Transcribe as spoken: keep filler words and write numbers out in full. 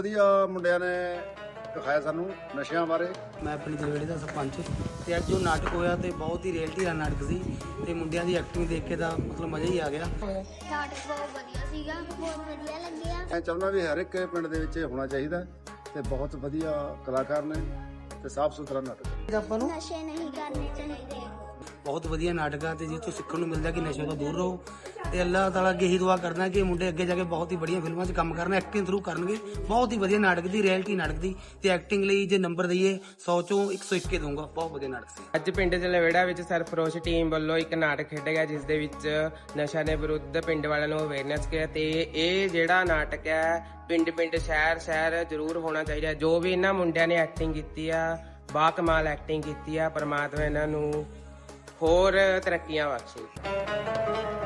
ਵਧੀਆ ਮੁੰਡਿਆਂ ਨੇ ਦਿਖਾਇਆ ਸਾਨੂੰ ਨਸ਼ਿਆਂ ਬਾਰੇ। ਮੈਂ ਆਪਣੀ ਦਲਵੇੜੇ ਦਾ ਸਰਪੰਚ ਤੇ ਅੱਜ ਜੋ ਨਾਟਕ ਹੋਇਆ ਤੇ ਬਹੁਤ ਹੀ ਰਿਐਲਿਟੀ ਦਾ ਨਾਟਕ ਸੀ ਤੇ ਮੁੰਡਿਆਂ ਦੀ ਐਕਟਿੰਗ ਦੇਖ ਕੇ ਤਾਂ ਮਤਲਬ ਮਜ਼ਾ ਹੀ ਆ ਗਿਆ। ਨਾਟਕ ਬਹੁਤ ਵਧੀਆ ਸੀਗਾ, ਬਹੁਤ ਵਧੀਆ ਲੱਗਿਆ। ਮੈਂ ਚਾਹੁੰਦਾ ਵੀ ਹਰ ਇੱਕ ਪਿੰਡ ਦੇ ਵਿੱਚ ਹੋਣਾ ਚਾਹੀਦਾ ਤੇ ਬਹੁਤ ਵਧੀਆ ਕਲਾਕਾਰ ਨੇ ਤੇ ਸਾਫ਼ ਸੁਥਰਾ ਨਾਟਕ। ਆਪਾਂ ਨੂੰ ਨਸ਼ੇ ਨਹੀਂ ਕਰਨੇ ਚਾਹੀਦੇ। ਬਹੁਤ ਵਧੀਆ ਨਾਟਕ ਆ ਤੇ ਜਿੱਥੋਂ ਸਿੱਖਣ ਨੂੰ ਮਿਲਦਾ ਕਿ ਨਸ਼ੇ ਤੋਂ ਦੂਰ ਰਹੋ ਤੇ ਅੱਲਾਹ ਤਾਲਾ ਅੱਗੇ ਹੀ ਦੁਆ ਕਰਦਾ ਕਿ ਮੁੰਡੇ ਅੱਗੇ ਜਾ ਕੇ ਬਹੁਤ ਹੀ ਬੜੀਆਂ ਫਿਲਮਾਂ 'ਚ ਕੰਮ ਕਰਨ, ਐਕਟਿੰਗ ਥਰੂ ਕਰਨਗੇ। ਬਹੁਤ ਹੀ ਵਧੀਆ ਨਾਟਕ ਦੀ, ਰਿਐਲਿਟੀ ਨਾਟਕ ਦੀ ਤੇ ਐਕਟਿੰਗ ਲਈ ਜੇ ਨੰਬਰ ਦਈਏ ਸੌ ਚੋਂ ਇੱਕ ਸੌ ਇੱਕ ਦਊਂਗਾ। ਬਹੁਤ ਵਧੀਆ ਨਾਟਕ ਸੀ। ਅੱਜ ਪਿੰਡ ਜਲਵੇੜਾ ਵਿੱਚ ਸਰਫਰੋਸ਼ ਟੀਮ ਵੱਲੋਂ ਇੱਕ ਨਾਟਕ ਖੇਡਿਆ ਗਿਆ ਜਿਸ ਦੇ ਵਿੱਚ ਨਸ਼ਾ ਦੇ ਵਿਰੁੱਧ ਪਿੰਡ ਵਾਲਿਆਂ ਨੂੰ ਅਵੇਅਰਨੈਸ ਕੀਤਾ ਤੇ ਇਹ ਜਿਹੜਾ ਨਾਟਕ ਹੈ ਪਿੰਡ ਪਿੰਡ ਸ਼ਹਿਰ ਸ਼ਹਿਰ ਜ਼ਰੂਰ ਹੋਣਾ ਚਾਹੀਦਾ। ਜੋ ਵੀ ਇਹਨਾਂ ਮੁੰਡਿਆਂ ਨੇ ਐਕਟਿੰਗ ਕੀਤੀ ਆ, ਬਾ ਕਮਾਲ ਐਕਟਿੰਗ ਕੀਤੀ ਆ। ਪਰਮਾਤਮਾ ਇਹਨਾਂ ਨੂੰ ਹੋਰ ਤਰੱਕੀਆਂ ਬਖਸ਼ੇ।